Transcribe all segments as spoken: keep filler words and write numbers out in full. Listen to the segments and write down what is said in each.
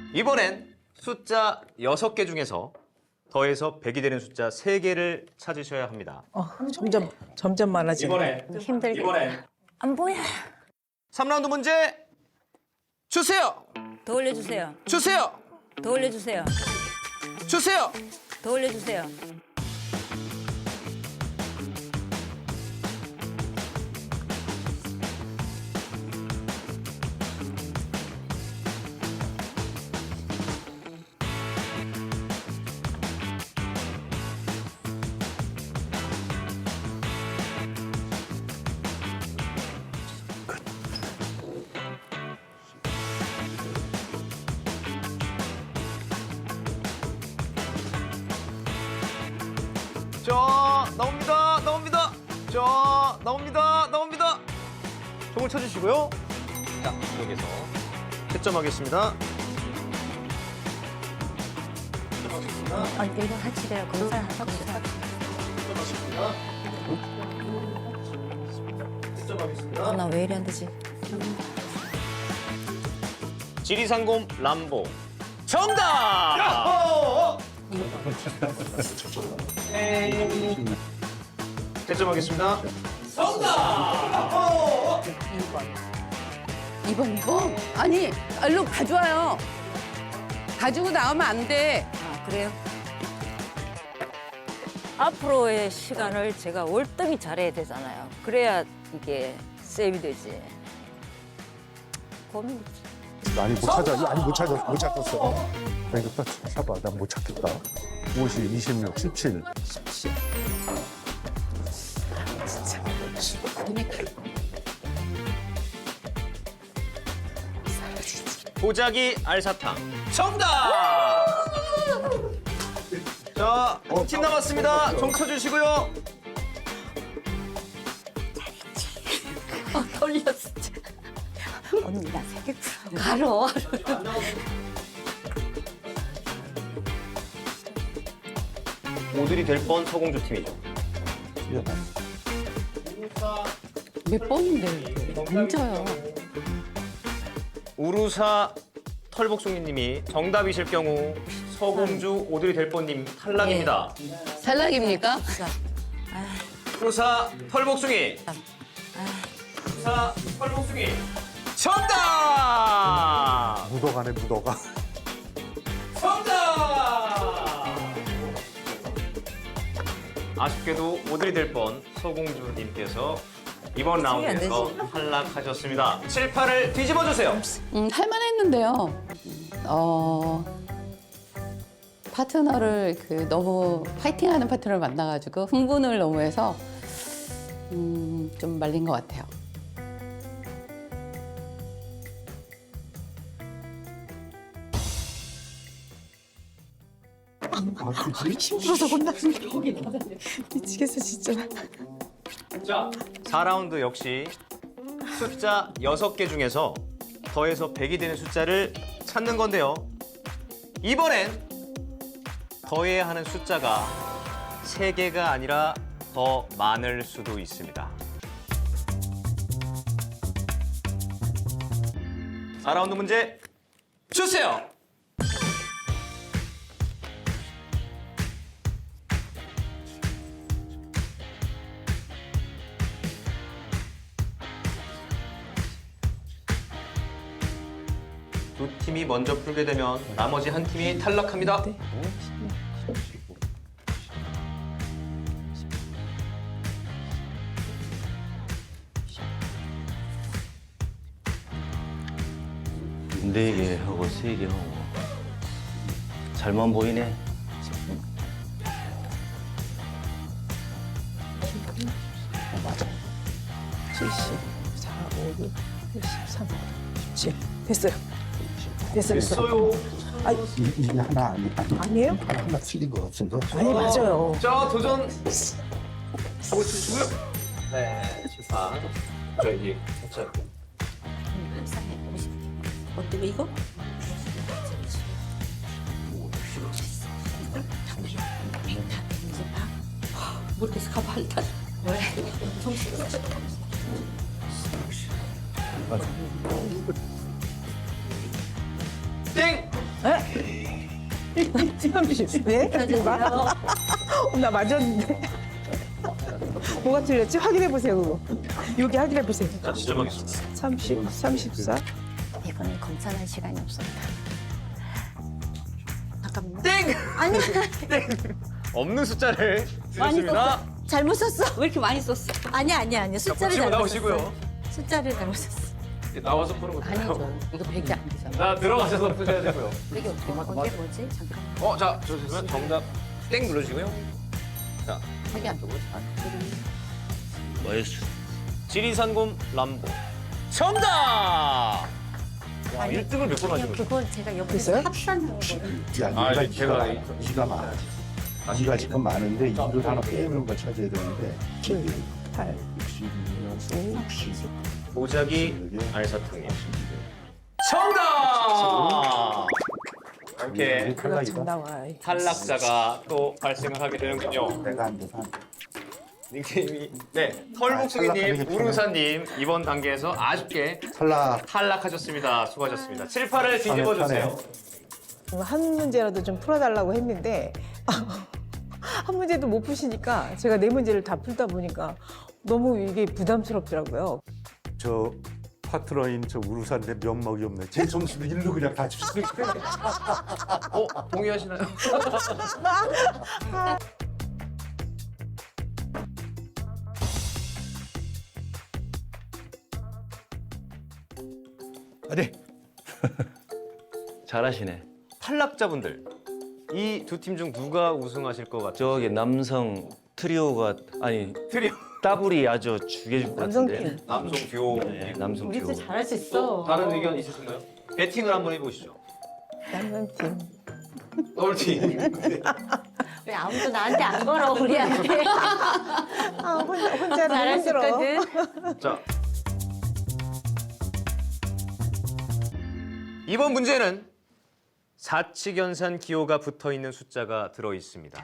이번엔 숫자 여섯 개 중에서 더해서 백이 되는 숫자 세 개를 찾으셔야 합니다. 어, 점점 점점 많아지네. 이번엔 힘들게. 이번엔 안 보여. 삼 라운드 문제 주세요. 더 올려주세요. 주세요. 더 올려주세요. 주세요. 더 올려주세요. 자, 나옵니다. 나옵니다. 자, 나옵니다. 나옵니다. 종을 쳐주시고요. 자, 여기서 채점하겠습니다. 아, 이거 하치래요. 검사 검사. 채점하겠습니다. 나 왜 이리 안 되지? 지리산곰 람보 정답! 채점하겠습니다. 이번 이번? 아니, 얼른 가져와요. 가지고 나오면 안 돼. 아, 그래요? 앞으로의 시간을 제가 월등히 잘해야 되잖아요. 그래야 이게 세이브 되지. 고민이지. 아니 못 찾아. 아니 못 찾아. 못 찾았어. 그러니까 봐봐. 난 못 찾겠다. 오십, 이십육, 십칠. 보자기 알사탕 정답! 자, 팀 남았습니다. 종 쳐주시고요. 돌렸어. 언니 나 세개 가로. 오들이 될 뻔 서공주 팀이죠. 몇 번인데 앉아요. 우루사 털복숭이님이 정답이실 경우 서공주 오들이 될 뻔님 탈락입니다. 탈락입니까? 우루사 털복숭이. 우루사 털복숭이. 정답! 묻어가네 묻어가. 정답! 아쉽게도 오들이 될 뻔 서공주님께서 이번 라운드에서 탈락하셨습니다. 칠판을 뒤집어 주세요. 음, 할만했는데요. 어, 파트너를 그 너무 파이팅하는 파트너를 만나가지고 흥분을 너무 해서 음, 좀 말린 것 같아요. 힘들어서 혼나는 미치겠어 진짜. 자, 사 라운드 역시 숫자 여섯 개 중에서 더해서 백이 되는 숫자를 찾는 건데요. 이번엔 더해야 하는 숫자가 세 개가 아니라 더 많을 수도 있습니다. 사 라운드 문제 주세요. 두 팀이 먼저 풀게 되면 나머지 한 팀이 탈락합니다. 네 개 하고 세 개 하고 잘만 보이네. 칠십사, 오, 육, 팔십삼, 십칠. 됐어요. 됐어, 됐어. 있어요. 이- 이게 하나 아니 아니 아니에요? 하나 틀린 거 같은데. 아니 맞아요. 자, 도전 하고 주시고요. 네, 칠판. 저 이제 살짝 어때 이거? 모르겠어. 가봐 일단. 왜? 땡! 삼십. 네? 봐. 나 맞았는데. 뭐가 틀렸지? 확인해 보세요, 그거. 여기 확인해 보세요. 자, 지정하겠습니다. 삼십, 삼십사. 이번엔 검사할 시간이 없습니다. 잠깐만요. 땡! 아니, 없는 숫자를 많이 쓰셨습니다. 썼어. 잘못 썼어. 왜 이렇게 많이 썼어? 아니, 아니, 아니. 자, 숫자를 보시고 잘못 나오시고요. 썼어. 숫자를 잘못 썼어. 나와서 푸는 거 아니죠. 이거 백이 안 되잖아. 자, 들어가셔서 푸셔야 되고요. 백이 어떻게 맞아? 언제 뭐지? 잠깐. 어, 자, 좋습니다. 정답 땡 눌러주시고요. 자, 백이 안 되고. 뭐였어? 지리산곰 람보. 정답! 와, 일 등을 몇 번 하신 거죠? 그건 제가 옆에서 됐어요? 합산한 거거든요. 야, 아, 네가 이제 제가 제가 이가 많아. 이가 지금 많은데 이를 하나 빼는 걸 찾아야 되는데 칠, 팔, 육십이면 육십. 보자기 알사탕이요. 정답! 이렇게 그가 참 나와. 탈락자가 또 발생을 하게 되는군요. 내가 안 돼서 안 돼. 닉네임이 네 아, 털복숭이님, 탈락하는 게 우루사님 이번 단계에서 아쉽게 탈락. 탈락하셨습니다. 수고하셨습니다. 칠, 팔을 뒤집어 주세요. 한 문제라도 좀 풀어달라고 했는데 한 문제도 못 푸시니까 제가 네 문제를 다 풀다 보니까 너무 이게 부담스럽더라고요. 저 파트너인 저 우루사인데 면목이 없네. 제 점수도 일로 그냥 다 주시는 거예요. 어 동의하시나요? 네. 잘하시네. 탈락자분들 이 두 팀 중 누가 우승하실 것 같죠? 저기 남성 트리오가 아니 트리오 따블이 아주 죽여줄 것 같은데. 남성팀. 남성 듀오. 네, 남성 우리도 듀오. 잘할 수 있어. 또 다른 의견 있으신가요? 배팅을 한번 해보시죠. 남성팀. 더블팀. 왜 아무도 나한테 안 걸어, 우리한테. 아, 혼자, 혼자는 잘할 수 힘들어. 있거든. 자 이번 문제는 사칙연산 기호가 붙어 있는 숫자가 들어 있습니다.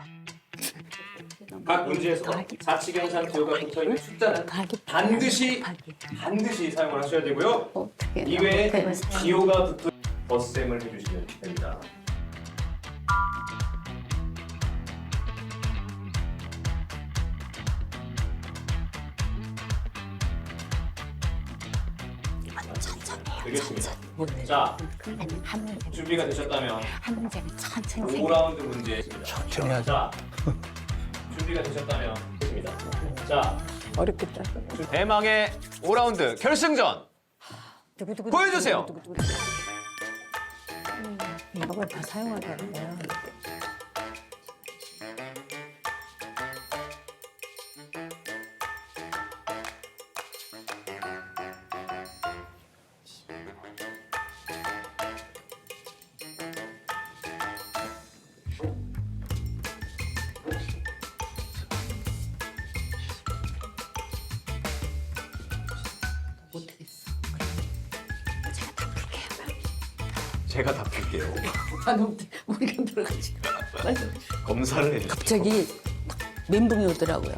각 문제에서 사칙연산 기호가 붙어 있는 숫자는 반드시 반드시 사용을 하셔야 되고요. 어떻게 이외에 어떻게 기호가 붙어 덧셈을 해주시면 됩니다. 되겠습니다. 자, 아니, 한 문제, 준비가 되셨다면 한 문제는 천천히 생각. 오 라운드 문제. 천천히 하자. 준비가 되셨다면 됐습니다. 자, 어렵겠다. 대망의 오 라운드 결승전 두구두구 보여주세요. 두구두구. 이걸 다 사용하라는 거야. 못하겠어. 제가 다 풀게요. 아 너무 머리가 들어가지고. 검사를 해주세요. 갑자기 딱 멘붕이 오더라고요.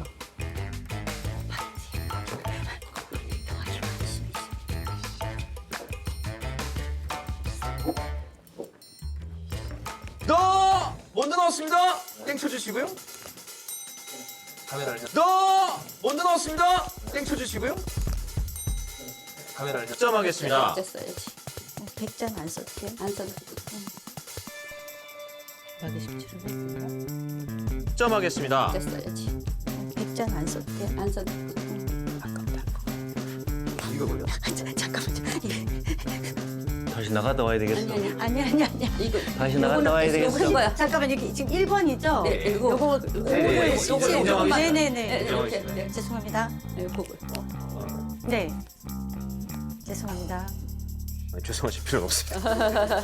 너 먼저 나왔습니다. 땡 쳐주시고요. 카메라를 너 먼저 나왔습니다. 땡 쳐주시고요. 카메라를 득점하겠습니다. 어쨌어야지. 백 점 안 써도 돼? 안 써도 하기 쉽지를 않습니다. 득점하겠습니다. 어쨌어야지. 백 점 안 써도 돼? 안 써도 이거 뭐야? 잠깐만요. 다시 나갔다 와야 되겠어. 아니, 아니, 아니, 아니. 이거 다시 나갔다 와야 되겠어. 요거 거야. 잠깐만, 여기 지금 일 번이죠? 네, 이거 요거, 네, 요거, 네, 요거, 네, 네네네. 이렇게 네. 죄송합니다. 네, 그거. 네. 죄송합니다. 아니, 죄송하실 필요는 없습니다.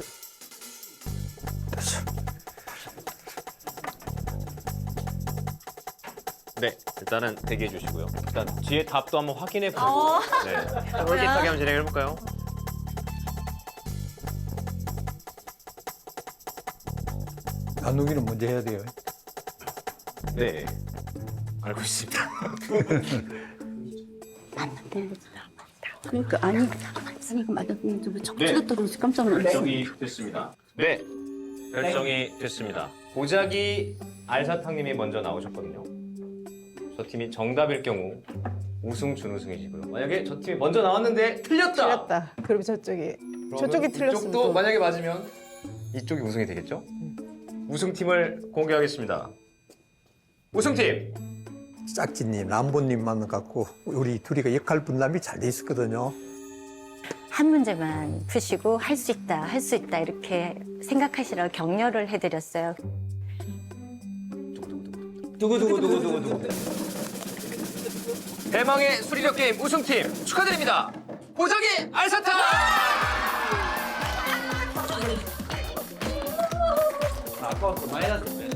네, 일단은 대기해 주시고요. 일단 뒤에 답도 한번 확인해 보고 네, 솔깃하게 한번 진행해 볼까요? 나누기는 먼저 해야 돼요. 네, 알고 있습니다. 그러니까, 아니, 아니, 이거 맞았는데 왜 네. 척추가 떨어져서 깜짝 놀랐어. 여기 됐습니다. 네, 결정이 됐습니다. 보자기 알사탕님이 먼저 나오셨거든요. 저 팀이 정답일 경우 우승, 준우승이시고요. 만약에 저 팀이 먼저 나왔는데 틀렸다. 틀렸다. 그럼 저쪽이 저쪽이 틀렸으면 이쪽도 또. 만약에 맞으면 이쪽이 우승이 되겠죠? 우승팀을 공개하겠습니다. 우승팀 짝지님, 람보님만 갖고 우리 둘이가 역할 분담이 잘 돼 있었거든요. 한 문제만 푸시고 할 수 있다, 할 수 있다 이렇게 생각하시라고 격려를 해드렸어요. 두구두구두구두구두구. 대망의 수리력 게임 우승팀 축하드립니다. 보자기 알사탕! 아까부터 마이너스.